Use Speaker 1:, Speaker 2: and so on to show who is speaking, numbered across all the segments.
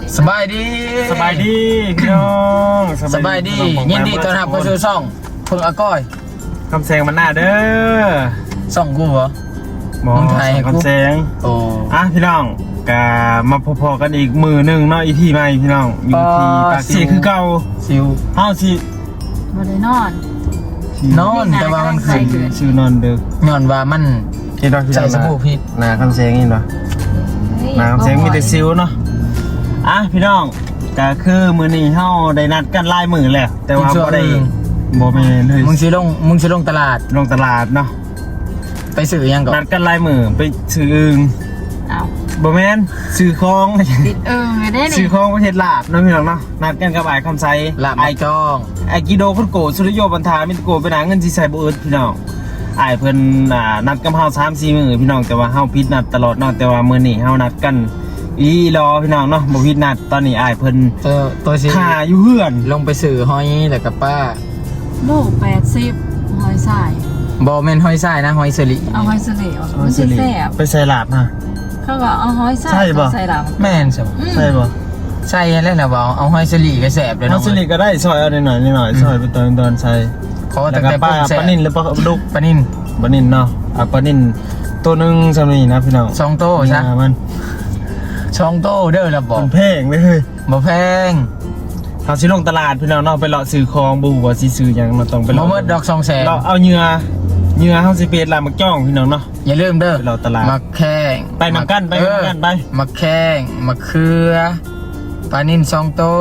Speaker 1: สบายดี
Speaker 2: พี่น้อง
Speaker 1: สบายดียินดีต้อนรับเข้าสู่ช่องเพิ่งอาก้อย
Speaker 2: คำแซงมันหน้าเด้อ
Speaker 1: ช่องกูเหรอ
Speaker 2: มึงไทยคำแซง
Speaker 1: โอ้
Speaker 2: พี่น้องกะมาพอๆกันอีกมือหนึ่งเนาะอีที่ใหม่พี่น้องอยู่ที่ปากเสียคือเก่า
Speaker 1: ซิว
Speaker 2: สิ
Speaker 3: บ่ได้น
Speaker 1: อนแต่ว่ามันคือ
Speaker 2: ชื่อนอนเด้อ
Speaker 1: ย้อนว่ามันใส่สบู่พิษ
Speaker 2: นาคำแซงนี่เนาะนาคำแซงมีแต่ซิวเนาะพี่น้องก็คือมื้อนี้เฮาได้นัดกันลายมือแล้วแต่ว่าบ่ได้บ่แม่นเลย
Speaker 1: มึงสิลงตลาด
Speaker 2: เนาะ
Speaker 1: ไปซื้อยังก่อน
Speaker 2: นัดกันลายมือไปซื้ออึ่งบ่แม่นซื้อของ
Speaker 3: ติดได้นี่
Speaker 2: ซื้อของประเทศลาบเนาะพี่น้องเนาะนัดกันกับอ้ายคำไส
Speaker 1: ลาบไอ้จ้อง
Speaker 2: ไอ้กิโดคนโกสุริโยบรรทามิตรโกไปหาเงินสิใส่บ่อึดพี่น้องอ้ายเพิ่นนัดกับเฮา 3-4 มื้อพี่น้องแต่ว่าเฮาผิดนัดตลอดเนาะแต่ว่ามื้อนี้เฮานัดกันรอพี่น้องเนาะบ่ผิดนัดตอนนี้อ้ายเพิ่น
Speaker 1: ตัวสิ
Speaker 2: ค่าอยู่เฮือน
Speaker 1: ลงไปซื้อหอยแล้วกับป้า
Speaker 3: โล80หอยทราย
Speaker 1: บ่แม่นหอยทรายนะหอยสลิ
Speaker 3: เอาหอยสลิมันสิแซ่บ
Speaker 2: ไปใส่ลาบมา
Speaker 3: เขาก็เอาหอยทรายใส่ลาบ
Speaker 1: แม่นใช่บ่ใช่แล้วนะบ่เอาหอยสลิก็แซ่บเลยเนาะ
Speaker 2: หอยสลิก็ได้ซอยเอาหน่อยซอยไปตอนใส่
Speaker 1: ขอตั้งแต่ปลา
Speaker 2: นิ่นหรือปลาดุก
Speaker 1: ปลานิ่น
Speaker 2: เนาะปลานิ่นตัวนึงซำนี้นะพี่น้อง
Speaker 1: 2โตซะ
Speaker 2: มัน
Speaker 1: 2โตเด้อล่ะบ่
Speaker 2: แพงเลยเฮ้ย
Speaker 1: บ่แพง
Speaker 2: เฮาสิลงตลาดพี่น้องเนาะไปเลาะซื้อของบ่ว่าสิซื้อหยังเราต้องไป
Speaker 1: เลาะบ่หมดดอก200,000
Speaker 2: เราเอาเหยื่อเฮาสิเป็ดลามักจ้องพี่น้องเนาะ
Speaker 1: อย่าลืมเด้อ
Speaker 2: เราตลาด
Speaker 1: มักแข้ง
Speaker 2: ไปนำกันไป
Speaker 1: มักแข้งมักเขือปลานิ่น2โต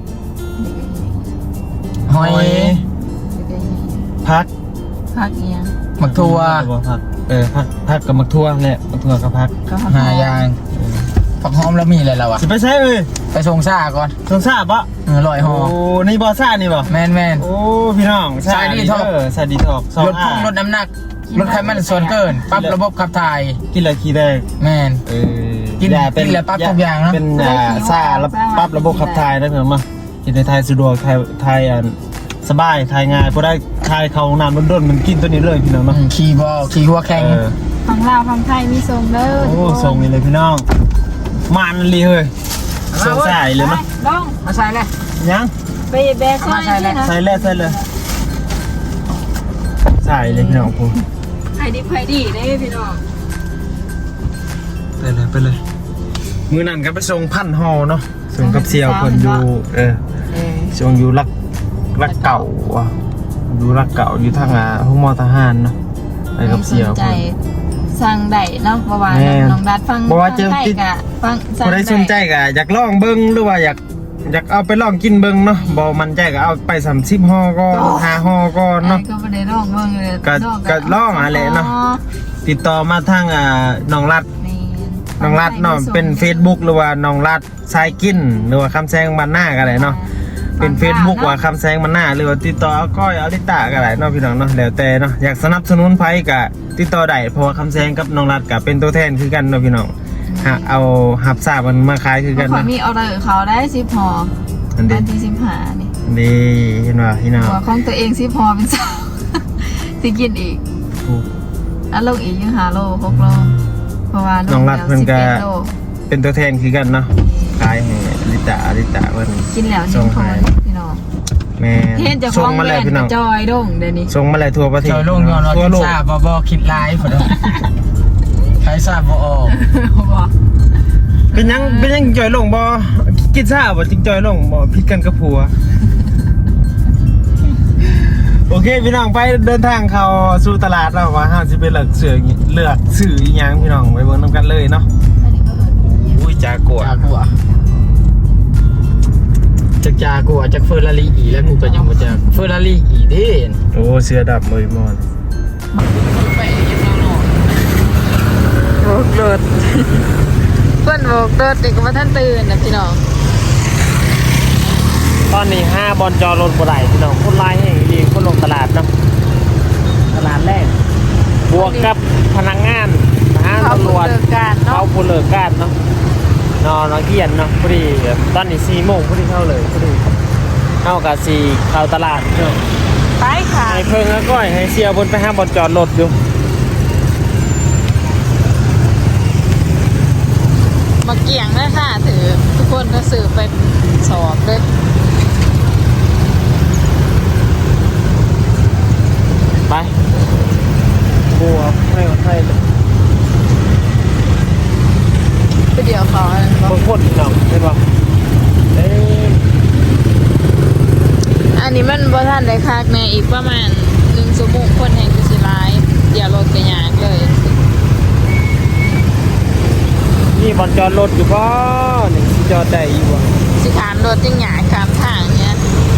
Speaker 1: หอย
Speaker 2: ผัก
Speaker 3: อีหยัง
Speaker 1: มักทั่ว
Speaker 2: ผักกับมักทั่วแหละมักทั่วกับผัก
Speaker 1: 5อย่างผักหอมแล้วมีอะไรแล้วอ่ะ
Speaker 2: สิไปใช้
Speaker 1: ไปส่งซ่าก่อน
Speaker 2: ส่งซ่าบ่
Speaker 1: ลอยห่อ
Speaker 2: โอ้นี่บ่ซ่านี่บ่
Speaker 1: แม่น
Speaker 2: โอ้พี่น้อง
Speaker 1: ซ่าดีท็อกลดพุ่งลดน้ำหนักลดไขมันส่วนเกินปรับระบบขับถ่าย
Speaker 2: กินแล้วขี้แดง
Speaker 1: แม่นกินแล้วปรับทุกอย่างเนาะ
Speaker 2: เป็นซ่าแล้วปรับระบบขับถ่ายได้เพิ่นมากินในไทยสะดวกไทยสบายทายง่ายพอได้ทายเขาน้ำด้นมันกินตัวนี้เลยพี่น้องเนาะ
Speaker 1: ขี่หัวแข็ง
Speaker 3: ฝั่งลาวฝั่งไทยมีทรงเด้อ
Speaker 2: โอ้ทรงนี่เลยพี่น้องมันเลยเฮ้ยใส่เลยมั้ย
Speaker 3: ลอง
Speaker 1: มาใส่เลย
Speaker 2: ยัง
Speaker 3: ไปแบะใส่เลย
Speaker 2: ใส่เลยใส่เลยพี่น้องผม
Speaker 3: ไข่ดีได้พี่น้อง
Speaker 2: ไปเลยมือนั่นก็ไปส่งพันห่อเนาะส่งกับเซียวคนอยู่ส่งอยู่รักเก่าว่ะอยู่รักเก่าอยู่ทางห้องมอทหารเนาะไปกับเซียว
Speaker 3: สั่งได้เนาะเพราะว่าน้องดัดฟังใต้กะฟัง
Speaker 2: คนได้สนใจกะอยากลองเบิ้งหรือว่าอยากเอาไปลองกินเบิ้งเนาะบ่มันใจก็เอาไป30ห่อก็5ห่อก็เนาะ
Speaker 3: ก็ไม่ได้ลองเบิ้งเลย
Speaker 2: ก็ลองอะไรเนาะติดต่อมาทางน้องรัดเนาะเป็น Facebook หรือว่าน้องรัดทรายกินหรือว่าคำแซงบ้านหน้าก็ได้เนาะเป็น Facebook ว่าคำแซงมันหน้าหรือว่าติดต่อก้อยลิตาก็ได้เนาะพี่น้องเนาะแล้วแต่เนาะอยากสนับสนุนไผก็ติดต่อได้เพราะว่าคำแซงกับน้องรัดก็เป็นตัวแทนคือกันเนาะพี่น้องเอาหับซาบมันมาขายคือกัน
Speaker 3: นะมีออเดอร์เขาได้10ห่ออันที่15
Speaker 2: นี่เห็นว่าพี่น้อง
Speaker 3: หัวของตัวเอง10ห่อเป็น2สิกินอีกลงอีกยัง5โล6โลเพราะว่า
Speaker 2: น้องรัดเพิ่นก็เป็นตัวแทนคือกันเนาะขายให้ลิตาเพิ่น
Speaker 3: กินแล้วส่งพอพี่น้อง
Speaker 2: แม่
Speaker 3: ส่งมาแล้วพี่น้องจอยดงเดี๋ยวนี้
Speaker 2: ส่งมาแล้วทั่วประเทศ
Speaker 1: จอยลงยอนทั่วโลกทราบบ่คิดไลฟ์พุ่นใครทราบบ่ออก
Speaker 2: เป็นยังจอยลงบ่กินซ่าบ่จริงจอยลงบ่ผิดกันกับผัวโอเคพี่น้องไปเดินทางเข้าสู่ตลาดแล้วว่าเฮาสิไปเลือกซื้ออีหยังพี่น้องไปเบิ่งนำกันเลยเนาะอุ้ยจากัว
Speaker 1: จากเฟอร์รารี่อีแล้วกูก็ยังบ่จากเฟอร์รารี่อีเด้
Speaker 2: โอ้เสือดับเลยมอน
Speaker 1: ไปเก็บน้อง
Speaker 3: โบกรถเพิ่นโบกรถนี่ก็บ่ทันตื่นนะพี่น้อง
Speaker 2: ตอนนี้5บอลจอรถบ่ได้พี่น้องคนลายแห่งดีคนลงตลาดเนาะตลาดแรกบวกกับพนักงานตำรวจเขาผู้เลิกการเนาะนอนเกียนเนาะพอดีตอนนี้4 โมงพอดีเข้าเลยพอดีเข้ากับ4เข้าตลาดเนาะ
Speaker 3: ไปค่ะ
Speaker 2: ให้เพิ่งแล้วก็ให้เสียบนไป5บอลจอดรถอยู่
Speaker 3: มาเกี่ยงนะค่ะถือทุกคนก็สืบไปสอบเลย
Speaker 2: ไปบัวให้มาให้
Speaker 3: ไปเดี๋ยวเขาอะไร
Speaker 2: บางคนหนังใช่ปะ
Speaker 3: อันนี้มันบ่ทันได้คักแน่อีกประมาณ1 ชั่วโมงคนแห่งคือสิหลายเดี๋ยวรถก็ยากเลย
Speaker 2: นี่บอลจอดรถอยู่ป่ะนี่จอดได้อยู่อ่ะ
Speaker 3: สิขามรถจังหยากขามทางเนี้ย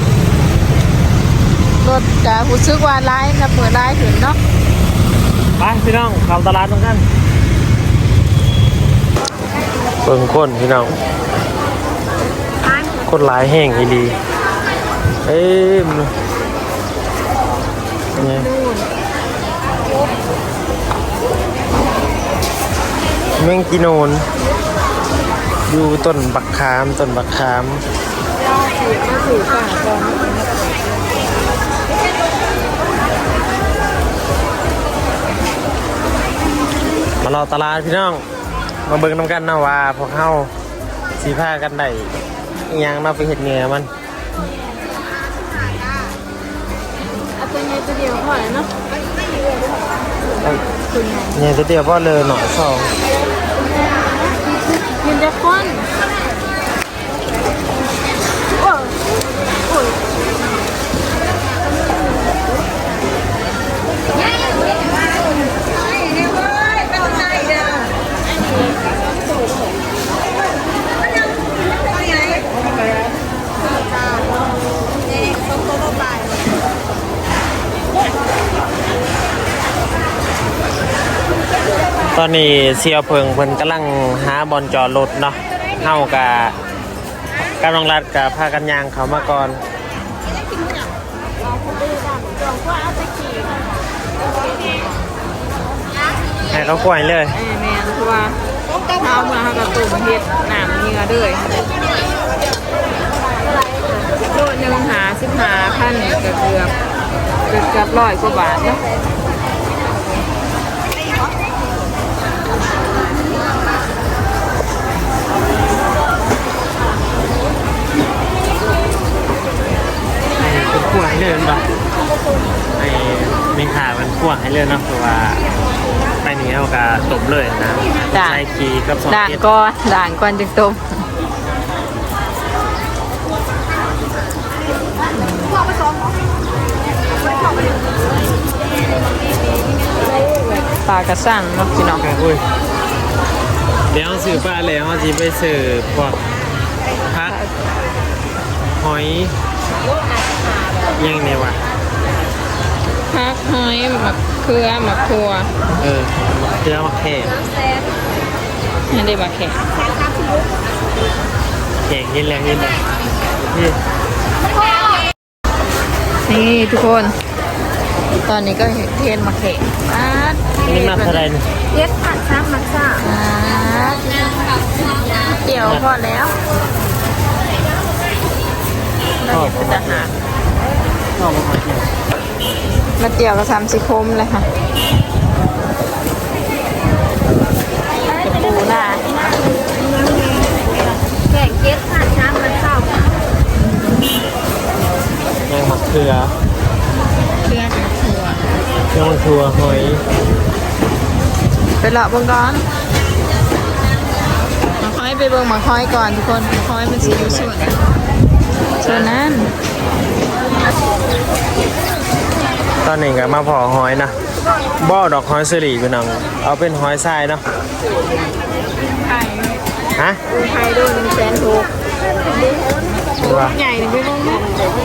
Speaker 3: รถก็รู้สึกว่าหลายนะเปิดหลายขึ้นเนาะ
Speaker 2: ไปพี่น้องเข้าตลาดตรงกันเบิ่งคนพี่น้องคนหลายแห่งอีดีเนี่ยแมงกิโนนอยู่ต้นบักขามมารอตลาดพี่น้องมาเบิ่งน้ำกันนะว่าพวกเฮาสีผ้ากันได้อิหยังเนาะไปเห็ดเหงื่อมัน
Speaker 3: ตัวนี้ตัวเดียวพอแล้วเนาะ
Speaker 2: เนี่ยจะเดียวพ่อเลยหน่อยสอง
Speaker 3: กินจะก้น
Speaker 2: ตอนนี้เสียวเพิงเพิ่นกำลังหาบอลจอดรถเนาะเฮากะกำลังรัดกับพากันยางเขามาก่อนให้เขากล้วยเลย
Speaker 3: แม่คือว่าเท้าเมื่อเขากระตุ่มเฮ็ดหนามเนื้อด้วยโลนึงหา15,000เกือบ100 กว่าบาทเนาะ
Speaker 2: ขวให้เลยป่ะไอ้มีขามันขวให้เลยเนาะเพราะว่าไปนี้เอากะตบเลยนะใช้คีกับสอง
Speaker 3: ด่าง
Speaker 2: เกต
Speaker 3: ก่อนจึงต้มปลากระสั่งเนาะพี่น้อง
Speaker 2: อุ้ยเดี๋ยวสื่อปลาแล้วจีไปสื่อพวกพักหอยยังเนี่ยวะ
Speaker 3: พักหอยหมักเขือหมักครัว
Speaker 2: เจ้ามาแข่
Speaker 3: ไม่ได้มาแข่ง
Speaker 2: แข่ยินแรงนี่
Speaker 3: นี่ทุกคนตอนนี้ก็เทนมาแข่ง
Speaker 2: นี่มาเท่าไรนี่
Speaker 3: เย็ดผัดซ้ำมักซ่าเกี่ยวพอแล้วเราเห็นเป็นทหาร
Speaker 2: ชอบมาเกี่ยว
Speaker 3: มาเตี่ยวกับ3 4 คมเลยค่ะจะปูหน้าแข่งเย็ดผัดซ้ำมักซ่า
Speaker 2: ยังหมักเกลือ
Speaker 3: เชื่อกับครัว
Speaker 2: ยังมันทัวหอย
Speaker 3: ไปเลาะเบิ่งก่อนมาค่อยไปเบิ่งมาค่อยก่อนทุกคนมาค่อยมันสีอยู่ส่วนนั้น
Speaker 2: ตอนนี้ก็มาพอหอยนะบ่อดอกหอยเสรีพี่น้องเอาเป็นหอยทรายเนาะ
Speaker 3: ไข่
Speaker 2: ฮะ
Speaker 3: ไข่ด้วย106,000
Speaker 2: ว่า
Speaker 3: ใหญ่ไปลงนะ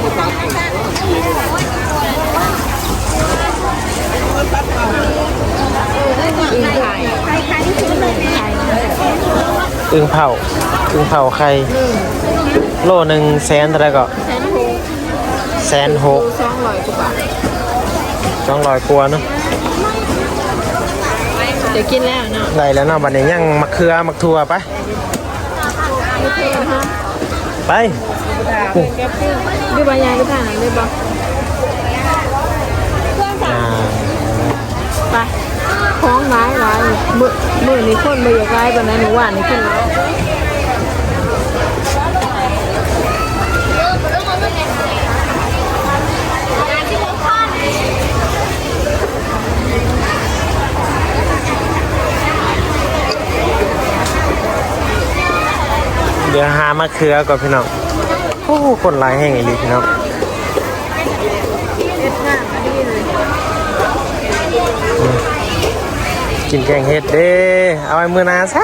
Speaker 3: อึ่งไข่
Speaker 2: อึ่งเผาไข่โลนึงแสนเท่าไหร่ก็160,000
Speaker 3: 200 กว่าบาท
Speaker 2: 200 กว่าเนาะ
Speaker 3: เดี๋ยวกินแล้วเนาะ
Speaker 2: ได้แล้วเนาะบัดนี้ยังมักเขือมักทั่วไปไป
Speaker 3: ดูบรรยายไปทางไหนเลยบอก ไปคล้องไม้มือนี่คนมาอยู่ใกล้ปานนั้นหนูว่านี่ขึ้นแล้ว
Speaker 2: ดี๋ยวหามะเขือก่อนพี่น้องโอ้คนหลายแห้งอีหลีพี่น้องกินแกงเห็ดเด้เอาไว้มื้อหน้าซะ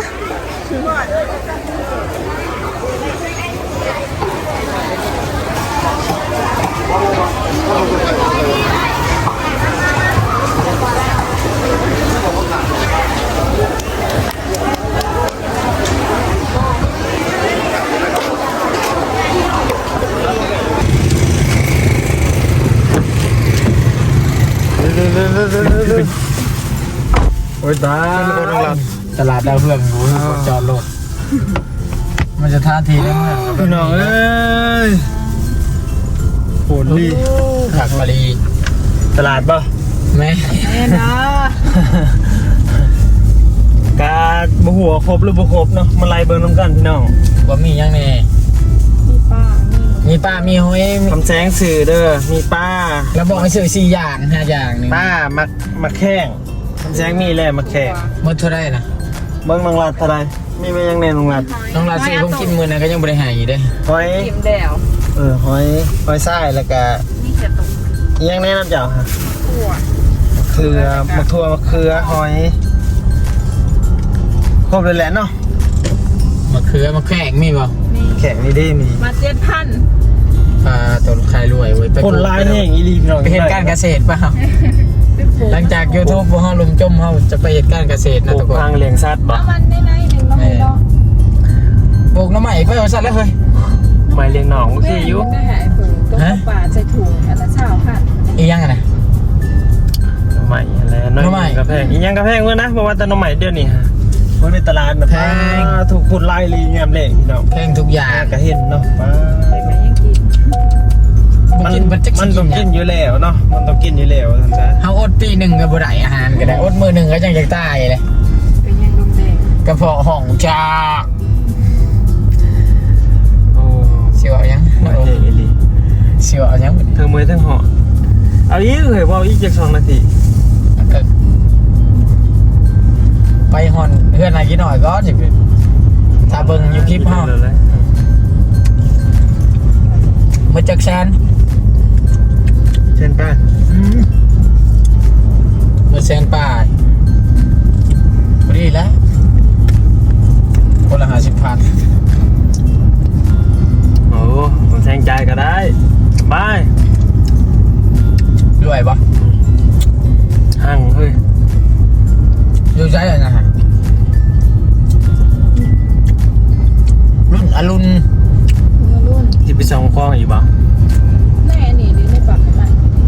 Speaker 2: โอ้ยตาย
Speaker 1: ตลาดดาวเรืองหมูจอดรถมันจะท่าทีได้เมื่อ
Speaker 2: พี่น้องเอ้ยโหดดี
Speaker 1: ผักมะลี
Speaker 2: ตลาดป่ะ
Speaker 1: แม่
Speaker 3: แม่นะ
Speaker 2: การบ่หัวครบหรือบ่ครบเนาะมาไล่เบิ่งน้ำกันพี่น้อง
Speaker 1: ว่ามียังแน่
Speaker 3: มีป้ามี
Speaker 1: มีป้ามีหอย
Speaker 2: คำแสงสื่อเด้อมีป้า
Speaker 1: แล้วบอกให้ซื้อ4 อย่าง5 อย่างนี่
Speaker 2: ป้ามักแข้งคำแสงมีแหละมักแข้ง
Speaker 1: หมดเท่าไรนะ
Speaker 2: เบิ่งน้องรัดเท่าไรมีไหมยังแน่น้องรัด
Speaker 1: น้องลาซื้อผมกินมื้อนั้นก็ยังบ่ได้หายอยู่เด้
Speaker 2: หอย
Speaker 3: กิมแดว
Speaker 2: หอยทรายแล้วก็
Speaker 3: นี่เขียดตก
Speaker 2: อีกอยังแน่น้ำเจ้าฮะ
Speaker 3: ถั่ว
Speaker 2: เขือมะทั่วมะเขือหอยครบเลยแหละเนาะ
Speaker 1: มะเขือมะแขกมีบ่
Speaker 3: นี่
Speaker 2: แข็งนี่ได้มี
Speaker 3: มา7,000
Speaker 1: ปลาตัวใครรวยเว้ย
Speaker 2: คนลายแห้งอีหลีพี่น้อง
Speaker 1: ไปเฮ็ดการเกษตรเปล่าหลังจาก YouTube บ่เฮาลุมจมเฮาจะไปเฮ็ดการเกษตร
Speaker 2: ป
Speaker 1: นะ
Speaker 2: ลู
Speaker 1: ทุ
Speaker 2: ก
Speaker 1: กคน
Speaker 2: พังเลี้ยงสัตว์บ่
Speaker 3: น้ำมันในหนึ่งน้ำมันเนาะ
Speaker 1: ปลูกหน้ำใหม่ไปเอาซะแล้วเฮ้ย
Speaker 2: ไม่เลี้ยงหนองโอเคอยู่
Speaker 3: ได้หายฝืนต้มปลาใส่ถุงอันละ20,000
Speaker 1: อีหยังอ่ะนะ
Speaker 2: ใหม่อะไรน้อย
Speaker 1: หน่อไม้
Speaker 2: กระแพงอีกยังกระแพงเมื่อนะเพราะว่าแต่หน้องใหม่เดี๋ยวนี้ฮะเพราะในตลาดนะ
Speaker 1: แพง
Speaker 2: ถูกคนไล่ลีงามเล่พี่น้อง
Speaker 1: แพงทุกอย่าง
Speaker 2: ก็เห็นเนาะป้า
Speaker 3: ไปไหมยังกิน
Speaker 1: บ่กินบ่จัก
Speaker 2: มัน
Speaker 1: สิ
Speaker 2: ต้อง
Speaker 1: กิ
Speaker 2: กิ
Speaker 1: น
Speaker 2: นอยู่แล้วเนาะมันต้องกินอยู่แล้วท่านจ๊ะ
Speaker 1: เฮาอดปีหนึงก็บ่ได้อาหารก็ได้อดมื้อหนึงก็ยังจะตายเลย
Speaker 3: เป็นยังลุงแดง
Speaker 1: กระเพาะห้องจาก
Speaker 2: โอ้
Speaker 1: สิว่าหยัง
Speaker 2: ไม่เท่อีหลี
Speaker 1: สิว่าหยังบ่
Speaker 2: เธอมือทั้งเหาะเอาอีกเลยว่าอีกจาก2 นาที
Speaker 1: ไปฮอนเฮือนให้กินหน่อยก็สิถ้าเบิ่งอยู่คลิปเฮา
Speaker 2: เลย
Speaker 1: มื้อจักแสน
Speaker 2: เช่นป้า
Speaker 1: มื้อแสนป้ายพอดีแล้วคนละ50,000
Speaker 2: โอ้ผมแทงใจก็ได้บาย
Speaker 1: รวยบ่
Speaker 2: หั่งเฮ้ย
Speaker 1: อยู่ใจอะนะฮะรุ่นอรุณ
Speaker 3: รุ่น
Speaker 2: ที่ไปส่องคลองอีกบ่
Speaker 3: แน่นี่ดิในปากมัน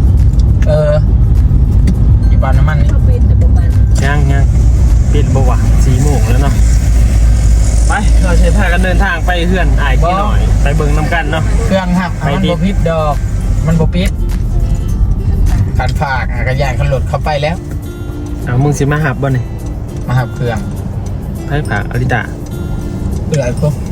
Speaker 1: อยู่บ้านน้ำมันนี่
Speaker 3: เขาเป็นแต่ประมาณ
Speaker 2: ยังปิดบ่วะ4 โมงแล้วเนาะไปเราใช้พากันเดินทางไปเฮือนอ้ายกี่หน่อยไปเบิ่งน้ำกันเนาะ
Speaker 1: เครื่องหัก
Speaker 2: ไป
Speaker 1: มัน
Speaker 2: ดิ
Speaker 1: บ่พิษดอก มันบ่พิษการฝากกระยานขันหลดเข้าไปแล้ว
Speaker 2: เอามึงสิมาหับบ่นี่
Speaker 1: มาหับเครื่อง
Speaker 2: ไผผากอริตา
Speaker 1: เปื่อยพวก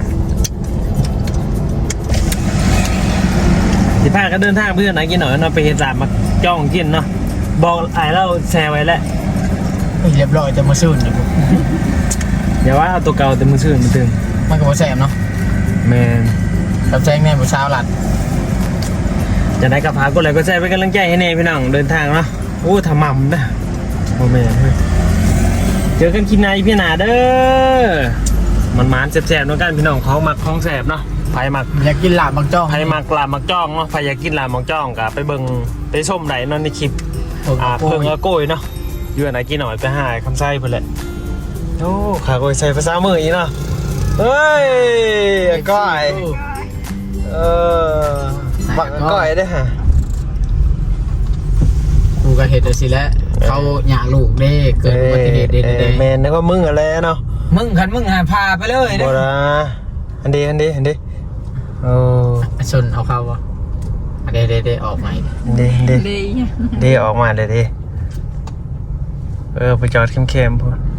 Speaker 2: สิพากันเดินทางเพื่อนอ้ายกี่หน่อยเนาะไปเฮ็ดลาบมาจ้องกินเนาะบอกอ้ายเราแชร์ไว้แล้ว
Speaker 1: เรียบร้อยจะมาซื่นอยู่พวก
Speaker 2: เดี๋ยวว่าเอาตัวเก่าแต่มือชื่นมาตึง
Speaker 1: มันก็บ่แซ่บเนาะ
Speaker 2: แมน
Speaker 1: กับแจ้งแม่ผู้สาวหลัด
Speaker 2: จะได้กับพาก็เลยก็แชร์เป็นกำลังใจให้แน่พี่น้องเดินทางเนาะโอ้ทำมั่มนะโอ้แม่เฮ้ยเจอกันคลิปหน้าอีพี่หนาเด้อมันแสบๆน้องกันพี่น้องเขามักของแสบเนาะไผมัก
Speaker 1: อยากกินลาบบางจ้อง
Speaker 2: ไผมักลาบมักจ้องเนาะไผอยากกินลาบมักจ้องกะไปเบิ่งไปส้มไหนเนาะในคลิปเพิ่งเอาโกยเนาะอยู่ไหนกินหน่อยไปหาคำไส้เพิ่นแหละโอ้ขาโกยใส่ภาษามืออีเนาะเฮ้ยก้อยบักก้อยได้ฮะ
Speaker 1: กูก็เห็ดเอาสิแล้วเขาอยากลูกเด้เกิดอุบัติเหตุเด้
Speaker 2: แมนนึกว่ามึงอะไรเนาะ
Speaker 1: มึงคันมึงหาพาไปเลย
Speaker 2: บ่
Speaker 1: เด้
Speaker 2: นะอันดีโอ้
Speaker 1: ชนเอาเข้าบ่เด้ออกใหม่
Speaker 2: ดี
Speaker 3: เลย
Speaker 2: ดีออกมาเลยดิไปจอดเข้มๆพูด